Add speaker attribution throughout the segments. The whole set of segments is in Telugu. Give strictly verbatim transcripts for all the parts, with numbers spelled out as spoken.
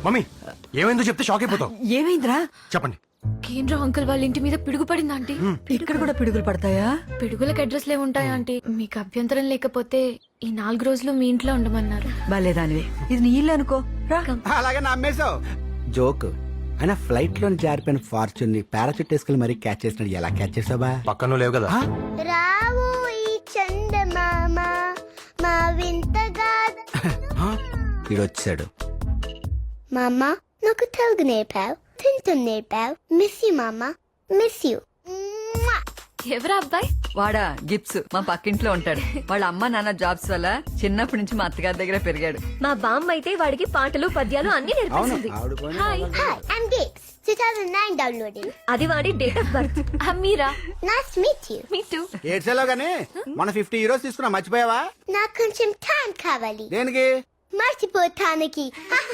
Speaker 1: మమ్మీ ఏమైందో చెప్తే షాక్ అయిపోతావు.
Speaker 2: ఏమైందిరా?
Speaker 1: చెప్పండి.
Speaker 3: కేంద్ర అంకుల్ వాళ్ళ ఇంటి మీద పిడుగు పడింది ఆంటీ.
Speaker 2: ఇక్కడ కూడా పిడుగులు పడతాయా?
Speaker 3: పిడుగులకు అడ్రస్ లే ఉంటాయా ఆంటీ? మీకు అభ్యంతరం లేకపోతే ఈ నాలుగు రోజులు మీ ఇంట్లో ఉండమన్నారు.
Speaker 2: బాలేదానివే, ఇది నీ ఇల్లు అనుకో. రా.
Speaker 4: అలాగే నమ్మేశావు. జోక్ అయినా ఫ్లైట్ లో జారిపోయిన ఫార్చ్యూన్ ని పారాచూట్ వేసుకుని మరీ క్యాచ్ చేసినాడు. ఎలా క్యాచ్ చేసావా?
Speaker 1: పక్కన లేవు కదా.
Speaker 5: రావు ఈ చందమామ మా వింతగా.
Speaker 4: వీడు వచ్చాడు.
Speaker 5: మామ నాకు తెలుగు నేర్పావు, తింటూ నేర్పావు. మిస్ యూ మామ, మిస్ యూ.
Speaker 3: ఎవరా అబ్బాయి?
Speaker 2: వాడా గిప్స్, మా పక్కింట్లో ఉంటాడు. వాళ్ళ అమ్మ నాన్న జాబ్స్ వల్ల చిన్నప్పటి నుంచి మా అత్తగారి దగ్గర పెరిగాడు.
Speaker 6: మా బామ్మ అయితే వాడికి పాటలు పద్యాలు అన్ని నేర్పిస్తుంది.
Speaker 5: Hi hi I'm Gips. two thousand nine downloading.
Speaker 6: అది వాడి డేట్ ఆఫ్ బర్త్.
Speaker 3: అమ్మీరా.
Speaker 5: Nice to meet you.
Speaker 3: Me too.
Speaker 4: ఏడ్చేలో గానీ మన ఫిఫ్టీ హీరోస్ తీసుకున్నా, మర్చిపోయావా?
Speaker 5: నాకు కొంచెం టైం కావాలి.
Speaker 4: దేనికి?
Speaker 5: మర్చిపోతానికి.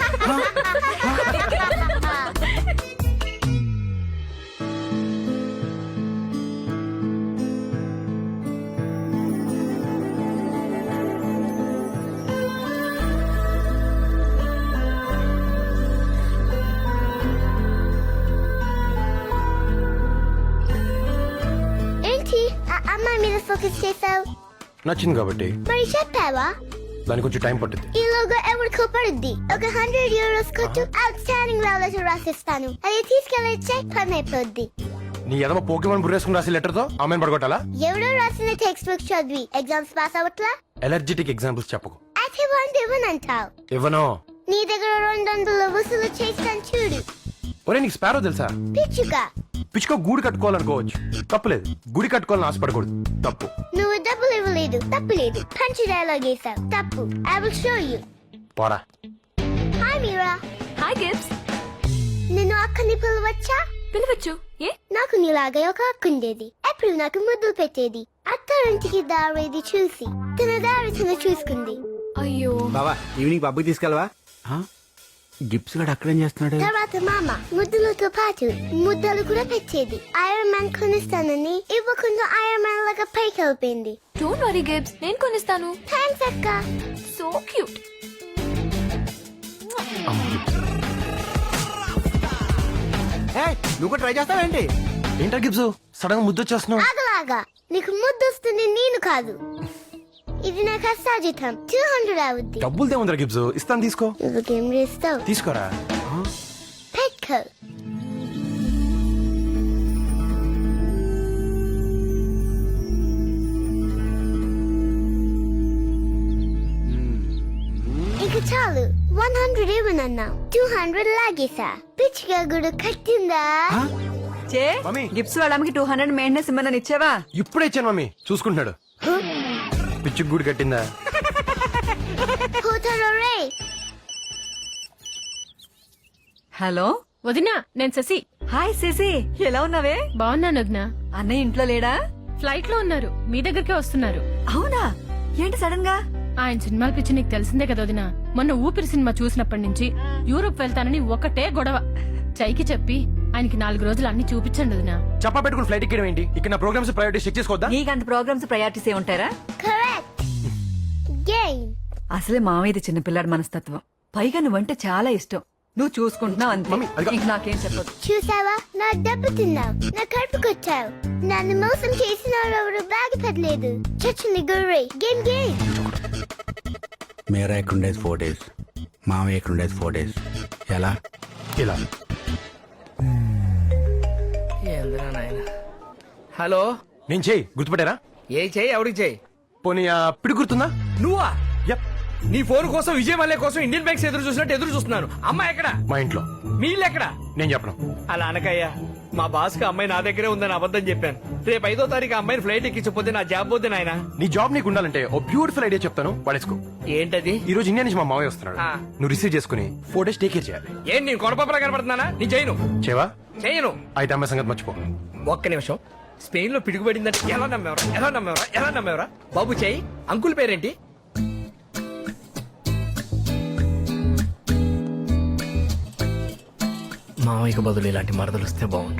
Speaker 5: ఏంటి ఆ అమ్మాయి మీద ఫోకస్ చేసావు?
Speaker 1: నచ్చింది కాబట్టి.
Speaker 5: మరి చెప్పావా?
Speaker 1: దానికి కొంచెం టైం పట్టింది.
Speaker 5: ఈ లోగో ఎవరికో పడుద్ది. ఒక హండ్రెడ్ యూరోస్ కొట్టు, అవుట్ స్టాండింగ్ లవ్ లెటర్ రాసిస్తాను. అది తీసుకెళ్ళొచ్చే పని అయిపోద్ది.
Speaker 1: నీ ఎదమ పోకేమని బుర్రేసుకుని రాసి లెటర్ తో ఆమెను పడగొట్టాలా?
Speaker 5: ఎవరో రాసిన టెక్స్ట్ బుక్ చదివి ఎగ్జామ్స్ పాస్ అవట్లా?
Speaker 1: ఎలర్జెటిక్ ఎగ్జాంపుల్స్ చెప్పకు.
Speaker 5: అయితే వంద ఇవ్వనంటావు.
Speaker 1: ఇవ్వను.
Speaker 5: నీ దగ్గర రెండు వందలు వసూలు చేస్తాను చూడు.
Speaker 1: ఒరే నీకు స్పారో తెలుసా?
Speaker 5: పిచ్చుగా.
Speaker 1: పిచ్చుకో గూడు కట్టుకోవాలనుకోవచ్చు, తప్పులేదు. గుడి కట్టుకోవాలని ఆశపడకూడదు, తప్పు.
Speaker 5: నువ్వు డబ్బులు ఇవ్వలేదు, తప్పులేదు. పంచి డైలాగ్ వేసావు, తప్పు. I will show you.
Speaker 1: పోరా.
Speaker 5: హాయ్ మీరా.
Speaker 3: Hi Gips.
Speaker 5: నిన్ను అక్కని పిలవచ్చా?
Speaker 3: పిలవచ్చు. ఏ?
Speaker 5: నాకు నీలాగే ఒక అక్క ఉండేది. ఎప్పుడు నాకు ముద్దులు పెట్టేది. అత్తారింటికి దారేది చూసి తన దారి తను చూసుకుంది.
Speaker 3: అయ్యో.
Speaker 4: బావా ఈవినింగ్ పబ్కి తీసుకెళ్ళవా? గిప్స్ గడు అక్కడేం చేస్తున్నాడు?
Speaker 5: తర్వాత మామ ముద్దులతో పాటు ముద్దలు కూడా పెట్టేది. ఐరన్ మ్యాన్ కొనిస్తానని ఇవ్వకుండా ఐరన్ మ్యాన్ లాగా పైకి వెళ్ళిపోయింది.
Speaker 3: డోంట్ వరీ గిప్స్, నేను కొనిస్తాను.
Speaker 5: థ్యాంక్స్ అక్క.
Speaker 3: So cute.
Speaker 4: నువ్వు ట్రై చేస్తావేంటి?
Speaker 1: ఏంటా గిబ్స్ సడన్ గా ముద్దు వచ్చేస్తున్నావు?
Speaker 5: ఆగలాగా నీకు ముద్దు వస్తుంది, నేను కాదు. ఇది నా కష్టాజితం. టూ హండ్రెడ్ అవుద్ది.
Speaker 1: డబ్బులు దేముందిరా గిబ్స్, ఇస్తాను తీసుకో.
Speaker 5: నువ్వు గేమ్ చేస్తావు.
Speaker 1: తీసుకోరా.
Speaker 5: పెట్టుకో. ఇక చాలు. వన్ హండ్రెడ్ ఇవ్వనన్నా, టూ హండ్రెడ్ లాగేసా. పిచ్చిగా గుడు కట్టిందా?
Speaker 2: చే
Speaker 1: మమ్మీ.
Speaker 2: గిప్స్ వాళ్ళ అమ్మకి టూ హండ్రెడ్ మెయింటెనెన్స్ ఇమ్మని ఇచ్చావా?
Speaker 1: ఇప్పుడే ఇచ్చాను మమ్మీ, చూసుకుంటున్నాడు. పిచ్చి గూడు కట్టిందా?
Speaker 5: పోతారో రే.
Speaker 2: హలో
Speaker 7: వదినా, నేను శశి.
Speaker 2: హాయ్ శశి, ఎలా ఉన్నావే?
Speaker 7: బాగున్నాను వదినా.
Speaker 2: అన్నయ్య ఇంట్లో లేడా?
Speaker 7: ఫ్లైట్ లో ఉన్నారు, మీ దగ్గరకే వస్తున్నారు.
Speaker 2: అవునా? ఏంటి సడన్ గా?
Speaker 7: ఆయన సినిమాల పిచ్చి నీకు తెలిసిందే కదా వదినా. మొన్న ఊపిరి సినిమా చూసినప్పటి నుంచి యూరోప్ వెళ్తానని ఒకటే గొడవ. చైకి చెప్పి ఆయనకి నాలుగు రోజులు అన్ని చూపించండి వదినా.
Speaker 1: చెప్పా పెట్టుకుని ఫ్లైట్ ఎక్కడం ఏంటి? ఇక్కడ నా ప్రోగ్రామ్స్ ప్రయారిటీ చెక్ చేసుకోవద్దా?
Speaker 2: నీకంత ప్రోగ్రామ్స్ ప్రయారిటీస్ ఏ ఉంటారా?
Speaker 5: కరెక్ట్. గేమ్.
Speaker 2: అసలే మామయ్యది చిన్నపిల్లాడి మనస్తత్వం. పైగా నువ్వంటే చాలా ఇష్టం. నువ్వు చూసుకుంటున్నావు అంతే.
Speaker 1: మమ్మీ, అదిగో.
Speaker 2: ఇంక నాకేం చెప్పదు.
Speaker 5: చూసావా, నా డబ్బు తిన్నావు, నా కడుపు కొట్టావు. నన్ను మోసం చేసిన ఎవరు బాగుపడలేదు. చచ్చింది గుర్రే. Game game.
Speaker 4: మేరా ఎక్కడుండేది ఫోర్ డేస్, మామయ్య ఎక్కడుండేది ఫోర్ డేస్. ఎలా?
Speaker 1: ఇలా.
Speaker 8: ఏందిరా నాయన. హలో,
Speaker 1: నేను చేయి గుర్తుపట్టారా?
Speaker 8: ఏ చెయ్యి ఎవరికి చెయ్యి?
Speaker 1: పోనీ ఆ పిడి గుర్తుందా?
Speaker 8: నువ్వా?
Speaker 1: యప్.
Speaker 8: నీ ఫోన్ కోసం విజయ్ మల్లె కోసం ఇండియన్ బ్యాంక్స్ ఎదురు చూసినట్టు ఎదురు చూస్తున్నాను. అమ్మాయి ఎక్కడ?
Speaker 1: మా ఇంట్లో.
Speaker 8: మీ ఇల్లు ఎక్కడ?
Speaker 1: నేను చెప్పను.
Speaker 8: అలా అనకయ్యా. మా బాస్ కి అమ్మాయి నా దగ్గరే ఉందని అబద్ధం చెప్పాను. రేపు ఐదో తారీఖు అమ్మాయిని ఫ్లైట్ ఎక్కించకపోతే నా జాబ్ పోతే నాయన.
Speaker 1: నీ జాబ్ నీకు ఉండాలంటే ఓ బ్యూటిఫుల్ ఐడియా చెప్తాను, పడేసుకో.
Speaker 8: ఏంటది?
Speaker 1: ఈ రోజు ఇండియా నుంచి మా మావయ్య వస్తున్నాడు.
Speaker 8: ఆ.
Speaker 1: నువ్వు రిసీవ్ చేసుకుని ఫోర్ డేస్ టేక్ కేర్ చేయాలి.
Speaker 8: ఏం నేను కొడపప్పలా కనపడుతున్నానా? నీ చేయను.
Speaker 1: చేవా?
Speaker 8: చేయను.
Speaker 1: అయితే అమ్మాయి సంగతి మర్చిపో.
Speaker 8: ఒక్క నిమిషం. స్పెయిన్ లో పిడుగుపడిందంటే ఎలా నమ్మేవరా? ఎలా నమ్మేవరా? ఎలా నమ్మేవరా? బాబు చెయ్యి. అంకుల్ పేరేంటి? మావయ్యకు బదులు ఇలాంటి మరదలు వస్తే బాగుండు.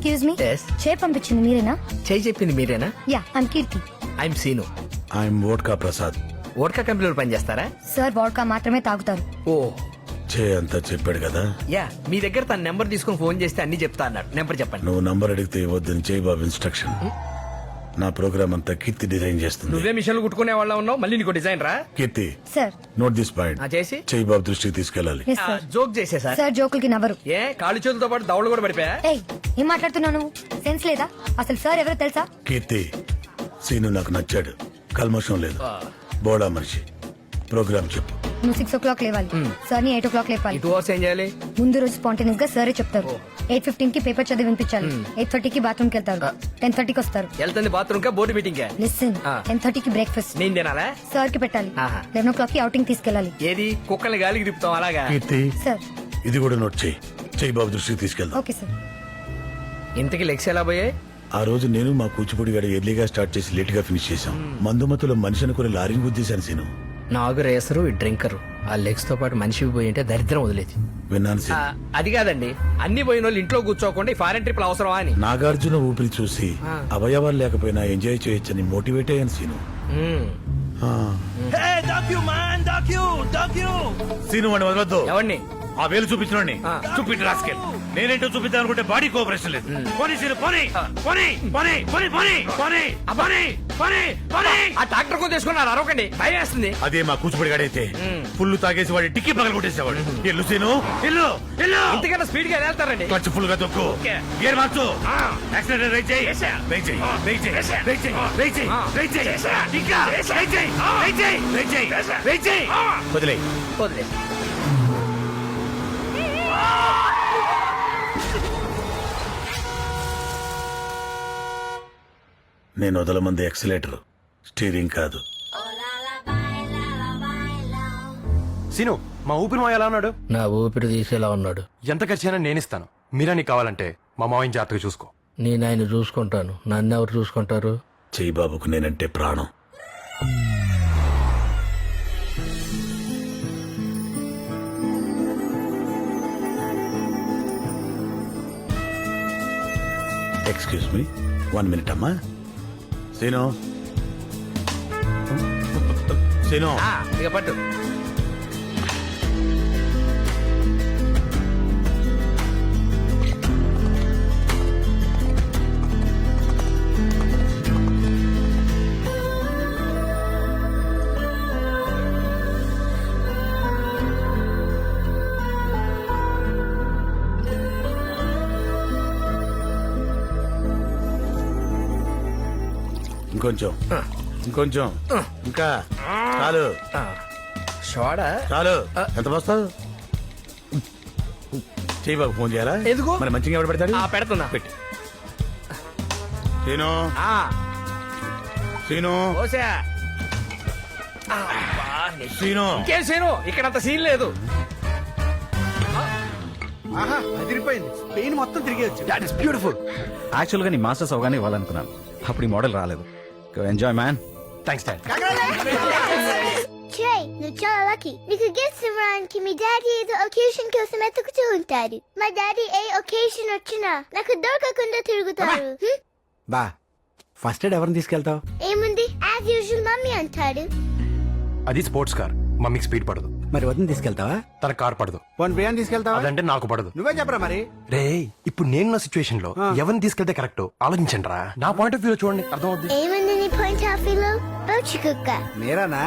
Speaker 9: Excuse me
Speaker 8: Yes.
Speaker 9: చే పంపించింది మీరేనా?
Speaker 8: చేయి చెప్పింది మీరేనా?
Speaker 9: Yeah I'm Keerthi.
Speaker 8: I'm Seenu.
Speaker 1: I'm vodka Prasad.
Speaker 8: Vodka కంపెనీలో పనిచేస్తారా?
Speaker 9: సార్ వాడ్కా మాత్రమే తాగుతారు.
Speaker 8: ఓ
Speaker 1: చే అంతా చెప్పాడు కదా.
Speaker 8: యా, మీ దగ్గర తన నెంబర్ తీసుకుని ఫోన్ చేస్తే అన్ని చెప్తా అన్నాడు. నెంబర్ చెప్పండి.
Speaker 1: నువ్వు నంబర్ అడిగితే ఇవ్వద్దని చేయి బాబు ఇన్స్ట్రక్షన్. నా ప్రోగ్రామ్ అంతా కీర్తి డిజైన్ చేస్తుంది.
Speaker 8: నువ్వే మిషన్లు కుట్టుకునే వాళ్ళ ఉన్నావు, మళ్ళీ నీకు డిజైన్ రా.
Speaker 1: Keerthi
Speaker 9: sir
Speaker 1: note this point.
Speaker 8: ఆ, చేసి
Speaker 1: చేయి బాబు దృష్టికి తీసుకెళ్ళాలి.
Speaker 9: Yes sir.
Speaker 8: జోక్ చేసే సార్.
Speaker 9: సార్ జోకులకి నవ్వరు.
Speaker 8: ఏ కాళ్ళు చేతులతో పాటు దవడలు కూడా పడిపోయా?
Speaker 9: ఏయ్ ఏం మాట్లాడుతున్నావు నువ్వు? సెన్స్ లేదా? అసలు సార్ ఎవరో తెలుసా?
Speaker 1: కీర్తి సీను నాకు నచ్చాడు. కల్మషం లేదు. బోడా మనిషి. ప్రోగ్రామ్ చెప్పు.
Speaker 9: నువ్వు సిక్స్ ఓ క్లాక్ లేవాలి. సార్ ని ఎయిట్ ఓ క్లాక్ లేపాలి.
Speaker 8: ఈ టూ అవర్స్ ఏం చేయాలి?
Speaker 9: ముందు రోజు స్పాంటేనియస్ గా సరే చెప్తారు. ఎయిట్ ఫిఫ్టీన్ కి పేపర్ చదివి వినిపించాలి. ఎయిట్ థర్టీకి బాత్రూమ్ కి వెళ్తారు. టెన్ థర్టీకి వస్తారు.
Speaker 8: వెళ్తుంది బాత్రూమ్ కా బోర్డు మీటింగ్ కా?
Speaker 9: లిసన్
Speaker 8: ఆ.
Speaker 9: టెన్ థర్టీకి బ్రేక్ఫాస్ట్
Speaker 8: నేను తినాలా?
Speaker 9: సార్ కి పెట్టాలి.
Speaker 8: ఆహా.
Speaker 9: లెవెన్ ఓ క్లాక్ కి అవుటింగ్ తీసుకెళ్ళాలి.
Speaker 8: ఏది కుక్కల్ని గాలికి తిప్పుతాం అలాగా?
Speaker 1: కీర్తి
Speaker 9: సార్
Speaker 1: ఇది కూడా నోట్ చేయి. చేయి బాబు దృష్టికి తీసుకెళ్దాం.
Speaker 9: Okay sir.
Speaker 8: ఇంతకి లెగ్స్ ఎలా పోయాయి?
Speaker 1: ఆ రోజు నేను మా కూచిపూడి గడ ఎర్లీగా స్టార్ట్ చేసి లేట్ గా ఫినిష్ చేశాం. మందుమతులో మనిషి అనుకుని లారీని గుద్దేశాను సీను.
Speaker 8: నాగు రేసరు ఈ డ్రింకరు ఆ లెగ్స్ తో పాటు మనిషి పోయి ఉంటే దరిద్రం వదిలేదు.
Speaker 1: విన్నాను
Speaker 8: ఆ,
Speaker 1: సీను.
Speaker 8: అది కాదండి, అన్ని పోయిన వాళ్ళు ఇంట్లో కూర్చోకుండా ఈ ఫారెన్ ట్రిప్లు అవసరమా అని.
Speaker 1: నాగార్జున ఊపిరి చూసి అవయవాలు లేకపోయినా ఎంజాయ్ చేయొచ్చని మోటివేట్ అయ్యాను సీను.
Speaker 8: మ్మ్.
Speaker 1: ఆ. సీను వాడిని వదలొద్దు.
Speaker 8: ఎవరిని?
Speaker 1: ఆ వేలు చూపించిన
Speaker 8: ఆ.
Speaker 1: చూపించి రాసుకెళ్ళి నేనేంటో చూపిద్దాం అనుకుంటే బాడీ కోఆపరేషన్ లేదు. పోనీ సీను పోనీ పోనీ పోనీ పోనీ పోనీ పోనీ పోనీ పోనీ పోనీ.
Speaker 8: ఆ ట్రాక్టర్ కొని తీసుకున్నారు, అరవకండి, భయం వేస్తుంది.
Speaker 1: అదే మా కూచిపూడి గడైతే ఫుల్ తాగేసి వాడి టిక్కి పగల కొట్టేసేవాడు. ఎల్లు సీను ఎల్లు ఎల్లు.
Speaker 8: ఇంతకన్నా స్పీడ్ గా వెళ్తారండి.
Speaker 1: క్లచ్ ఫుల్ గా తొక్కు. గేర్ మార్చు. యాక్సిడెంట్ రైట్ చేయి. రైట్ చేయి. రైట్ చేయి. రైట్ చేయి. రైట్ చేయి. రైట్ చేయి. ఇంకా రైట్ చేయి. రైట్ చేయి. రైట్ చేయి. రైట్ చేయి. వదిలేయ్.
Speaker 8: వదిలే.
Speaker 1: నేను వదలమంది ఎక్సలేటర్, స్టీరింగ్ కాదు. సీను మా ఊపిరి మాయ ఎలా ఉన్నాడు?
Speaker 8: నా ఊపిరి తీసేలా ఉన్నాడు.
Speaker 1: ఎంత ఖర్చైనా నేను ఇస్తాను. మీరా నీకు కావాలంటే మా మావయ్య జాగ్రత్తగా చూసుకో.
Speaker 8: నేను ఆయన చూసుకుంటాను, నన్ను ఎవరు చూసుకుంటారు?
Speaker 1: చెయ్యి బాబుకు నేనంటే ప్రాణం. ఎక్స్క్యూజ్ మీ వన్ మినిట్ అమ్మా. సీను సీను
Speaker 8: ఆ, ఇక పట్టు.
Speaker 1: ఇంకొంచెం ఇంకొంచెం ఇంకా చాలు
Speaker 8: షోడా
Speaker 1: చాలు. ఎంత వస్తావు? చెయ్యి బాబు ఫోన్ చేయాలా?
Speaker 8: ఎందుకు?
Speaker 1: మరి మంచిగా ఎవరు పెడతాడు?
Speaker 8: ఆ, పెడుతున్నా.
Speaker 1: పెట్టి సీను
Speaker 8: ఆ,
Speaker 1: సీను
Speaker 8: ఓసా.
Speaker 1: సీను
Speaker 8: ఇంకేం సీను, ఇక్కడ అంత సీన్ లేదు.
Speaker 4: ఆహా అదిరిపోయింది. స్పెయిన్ మొత్తం తిరిగేయచ్చు.
Speaker 1: That is beautiful.
Speaker 10: యాక్చువల్ గా నీ మాస్టర్స్ అవగానే ఇవ్వాలనుకున్నాను. అప్పుడు ఈ మోడల్ రాలేదు. Enjoy man.
Speaker 1: Thanks dad.
Speaker 5: Trey, నువ్వు చాలా లక్కీ. నీకు గిఫ్ట్స్ ఇవ్వడానికి మీ డాడీ ఏదో ఒకేషన్ కోసం ఎత్తుకుతూ ఉంటారు. మా డాడీ ఏ ఒకేషన్ వచ్చినా నాకు దొరకకుండా తిరుగుతారు. హ్మ్?
Speaker 4: బా ఫస్ట్ ఎయిడ్ ఎవరిని తీసుకెళ్తావు?
Speaker 5: ఏముంది, యాజ్ యూజువల్ మమ్మీ అంటాడు.
Speaker 1: అది స్పోర్ట్స్ కార్, మమ్మీకి స్పీడ్ పడదు.
Speaker 4: మరి వదిన తీసుకెళ్తావా?
Speaker 1: తన కార్ పడదు.
Speaker 4: వన్ బిర్యానీ తీసుకెళ్తావా?
Speaker 1: అదంటే నాకు పడదు.
Speaker 4: నువ్వే చెప్పరా మరి.
Speaker 1: రే ఇప్పుడు నేనున్న సిచ్యువేషన్ లో ఎవరిని తీసుకెళ్తే కరెక్ట్ ఆలోచించండి రా. నా పాయింట్ ఆఫ్ వ్యూ చూడండి, అర్థం అవుద్ది.
Speaker 5: ఏముంది నీ పాయింట్ ఆఫ్ వ్యూలో? పౌచి కుక్క.
Speaker 4: మీరానా?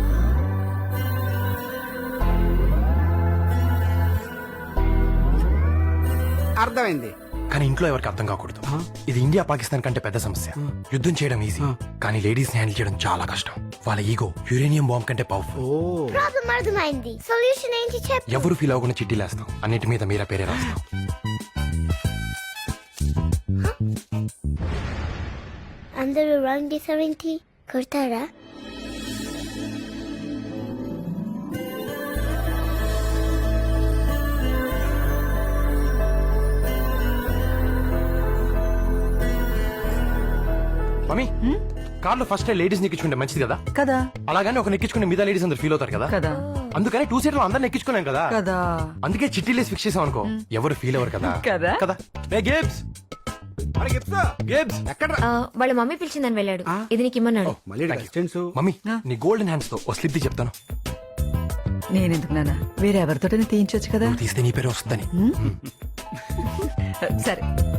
Speaker 4: అర్థమైంది.
Speaker 1: కానీ ఇంట్లో ఎవరికి అర్థం కాకూడదు. ఇది ఇండియా పాకిస్తాన్ కంటే పెద్ద సమస్య. యుద్ధం చేయడం ఈజీ, కానీ లేడీస్ ని హ్యాండిల్ చేయడం చాలా కష్టం. వాళ్ళ ఈగో యురేనియం బాంబ్ కంటే పవర్ఫుల్.
Speaker 5: ప్రాబ్లం అర్థమైంది. సొల్యూషన్ ఏంటి చెప్పు.
Speaker 1: ఎవరు ఫీల్ అవ్వకుండా చిట్టీలేస్తాం, అన్నిటి మీద మీరా పేరే రాస్తాం.
Speaker 5: అందరూ రాంగ్ చేసావేంటి? కొడతారా?
Speaker 1: మమ్మీ కార్ లో ఫస్ట్ లేడీస్ నెక్కించుకుంటే మంచిది కదా?
Speaker 2: కదా
Speaker 1: అలాగని ఒక నెక్కించుకునే మీద లేడీస్ అందరు ఫీల్ అవుతారు కదా?
Speaker 2: కదా
Speaker 1: అందుకని టూ సీటర్ లో అందరు నెక్కించుకున్నాం కదా.
Speaker 2: కదా
Speaker 1: అందుకే చిట్టీలేసి ఫిక్స్ చేసాం అనుకో, ఎవరు ఫీల్ అవ్వరు కదా.
Speaker 2: కదా?
Speaker 1: కదా ఏ గేబ్స్
Speaker 4: ఎక్కడ
Speaker 3: ఆ, వాళ్ళ మమ్మీ పిలిచిందని వెళ్ళాడు ఇది నీకు ఇమ్మన్నాడు
Speaker 4: మళ్ళీ డిస్టెన్స్
Speaker 11: మమ్మీ నీ గోల్డెన్ హ్యాండ్స్ తో ఓ స్లిప్ చెప్తాను
Speaker 2: నేనెందుకు నాన్న వేరెవరితోటైనా తీయించొచ్చు కదా
Speaker 11: నువ్వు తీస్తే నీ పేరు వస్తుందని
Speaker 2: సరే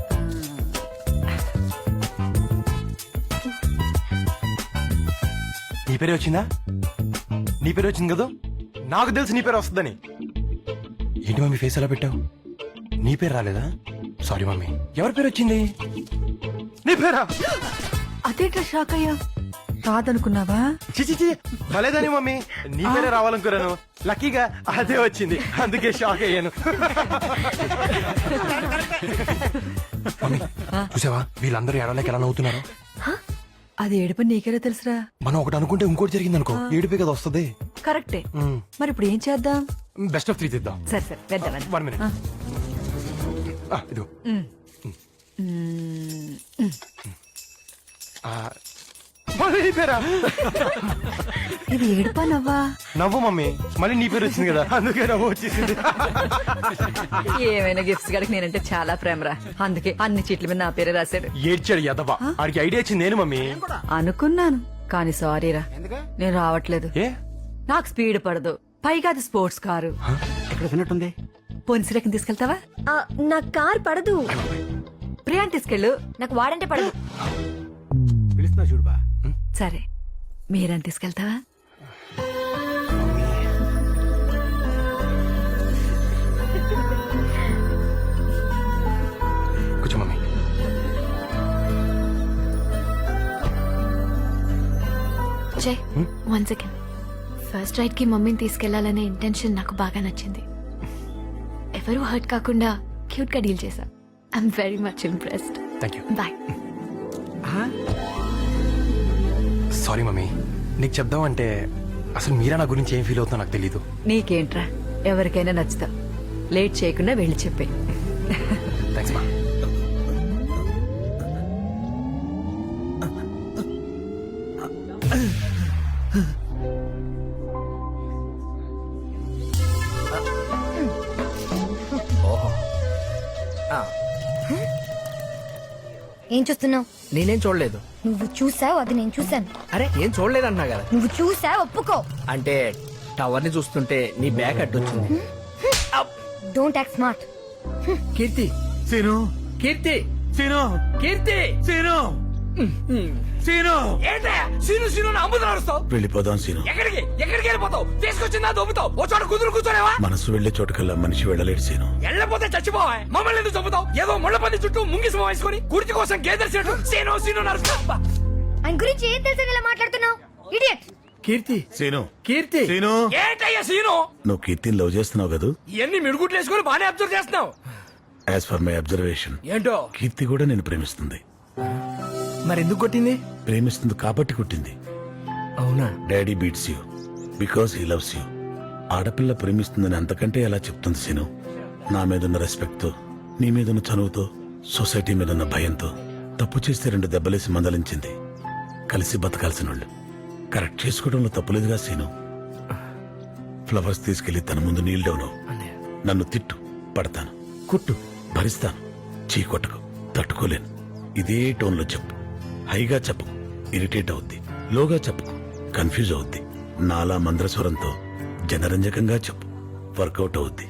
Speaker 11: నీ పేరే వచ్చిందా నీ పేరు వచ్చింది కదా నాకు తెలుసు నీ పేరు వస్తుందని ఏంటి మమ్మీ ఫేస్ ఎలా పెట్టావు నీ పేరు రాలేదా సారీ మమ్మీ ఎవరి పేరు వచ్చింది నీ పేరా
Speaker 2: అదేంట్రా షాక్ అయ్యా కాదనుకున్నావా
Speaker 11: చిచి చి భలేదని మమ్మీ నీ పేరే రావాలనుకున్నాను లక్కీగా అదే వచ్చింది అందుకే షాక్ అయ్యాను మమ్మీ చూసావా వీళ్ళందరూ ఎడలేక ఎలా నవ్వుతున్నారు
Speaker 2: అది ఏడుపని నీకెలా తెలుసురా
Speaker 11: మనం ఒకటి అనుకుంటే ఇంకోటి జరిగింది అనుకో ఏడుపే కదా వస్తుంది
Speaker 2: కరెక్టే మరి ఇప్పుడు ఏం చేద్దాం
Speaker 11: బెస్ట్ ఆఫ్ త్రీ తీద్దాం
Speaker 2: సరే సరే వెళ్దాం
Speaker 11: వన్ మినిట్ ఇదిగో ఆ, మళ్ళీ నీ పేరా
Speaker 2: ఇది ఏడుపా నవ్వా
Speaker 11: నవ్వు మమ్మీ మళ్ళీ నీ పేరు వచ్చింది కదా అందుకే నవ్వు వచ్చేసింది
Speaker 2: ఏమైనా గిఫ్ట్స్ గడికి నేనంటే చాలా ప్రేమరా అందుకే అన్ని చీట్ల మీద నా పేరే రాశాడు
Speaker 11: ఏడ్చాడు యదవా ఆడికి ఐడియా వచ్చింది నేను మమ్మీ
Speaker 2: అనుకున్నాను కానీ సారీరా నేను రావట్లేదు
Speaker 11: ఏ
Speaker 2: నాకు స్పీడ్ పడదు పైగా అది స్పోర్ట్స్ కారు
Speaker 4: ఎక్కడ విన్నట్టుంది
Speaker 2: పొన్సిరకం తీసుకెళ్తావా
Speaker 6: ఆ, నా కార్ పడదు
Speaker 2: ప్రియాన్ తీసుకెళ్ళు
Speaker 3: నాకు వాడంటే పడదు
Speaker 4: పిలుస్తున్నా చూడుబా
Speaker 2: సరే మీరని తీసుకెళ్తావా
Speaker 11: కూర్చో మమ్మీ
Speaker 3: జై వన్ సెకండ్ ఫస్ట్ రైడ్ కి మమ్మీని తీసుకెళ్లాలనే ఇంటెన్షన్ నాకు బాగా నచ్చింది ఎవరు హర్ట్ కాకుండా క్యూట్ గా డీల్ చేశా I'm very much impressed
Speaker 11: thank you
Speaker 3: boy
Speaker 11: sorry mummy నీకు చెప్దామంటే అసలు మీరా నా గురించి ఏం ఫీల్ అవుతుందో నాకు తెలీదు
Speaker 2: నీకేంట్రా ఎవరికైనా నచ్చుతా లేట్ చేయకుండా వెళ్ళి చెప్పే
Speaker 11: థ్యాంక్స్ మా
Speaker 9: ఏం చూస్తున్నావు
Speaker 8: నేనేం చూడలేదు
Speaker 9: నువ్వు చూసావు అది నేను చూసాను
Speaker 8: అరే ఏం చూడలేదన్నా కదా
Speaker 9: నువ్వు చూసావు ఒప్పుకో
Speaker 8: అంటే టవర్ ని చూస్తుంటే నీ బ్యాగ్ అడ్డొచ్చింది
Speaker 9: don't act smart
Speaker 8: Keerthi
Speaker 1: Seenu
Speaker 8: Keerthi
Speaker 1: Seenu
Speaker 8: Keerthi
Speaker 1: Seenu Seenu
Speaker 8: ఏంటయ్యా సీను సీను అమ్ముతున్నా అరుస్తావు
Speaker 12: వెళ్ళిపోదాం సీను
Speaker 8: ఎక్కడికి ఎక్కడికి వెళ్ళిపోతావు తీసుకొచ్చిందా దొబ్బుతావు ఓ చోట కుదురు కూర్చోలేవా
Speaker 12: మనసు వెళ్లే చోటుకల్లా మనిషి వెళ్ళలేడు సీను
Speaker 8: వెళ్ళపోతే చచ్చిపోవా మమ్మల్ని ఎందుకు చంపుతావు ఏదో ముళ్ళ పంది చుట్టూ ముంగిసి వేసుకొని కుర్తి కోసం గేదెలు సీను సీను నరుస్తా
Speaker 9: ఆయన గురించి ఏం తెలుసు ఇలా మాట్లాడుతున్నావు ఇడియట్
Speaker 8: కీర్తి
Speaker 12: సీను
Speaker 8: కీర్తి
Speaker 1: సీను
Speaker 8: ఏంటయ్యా సీను
Speaker 12: నువ్వు కీర్తిని లవ్ చేస్తున్నావు కదా
Speaker 8: ఇవన్నీ మిడుగుట్లు వేసుకొని బానే అబ్జర్వ్ చేస్తున్నావు
Speaker 12: యాజ్ ఫర్ మై అబ్జర్వేషన్
Speaker 8: ఏంటో
Speaker 12: కీర్తి కూడా నేను ప్రేమిస్తుంది
Speaker 8: మరి ఎందుకు కొట్టింది
Speaker 12: ప్రేమిస్తుంది కాబట్టి కుట్టింది
Speaker 8: అవునా
Speaker 12: daddy beats you because he loves you ఆడపిల్ల ప్రేమిస్తుందని అంతకంటే ఎలా చెప్తుంది సీను నా మీదున్న రెస్పెక్ట్ తో నీ మీదున్న చనువుతో సొసైటీ మీదున్న భయంతో తప్పు చేస్తే రెండు దెబ్బలేసి మందలించింది కలిసి బతకాల్సిన వాళ్ళు కరెక్ట్ చేసుకోవడంలో తప్పులేదుగా సీను ఫ్లవర్స్ తీసుకెళ్లి తన ముందు నీళ్ళు డౌను నన్ను తిట్టు పడతాను కుట్టు భరిస్తాను చీ కొట్టకు తట్టుకోలేను ఇదే టోన్లో చెప్పు హైగా చెప్పు ఇరిటేట్ అవుద్ది లోగా చెప్పు కన్ఫ్యూజ్ అవుద్ది నాలా మంద్రస్వరంతో జనరంజకంగా చెప్పు వర్కౌట్ అవుద్ది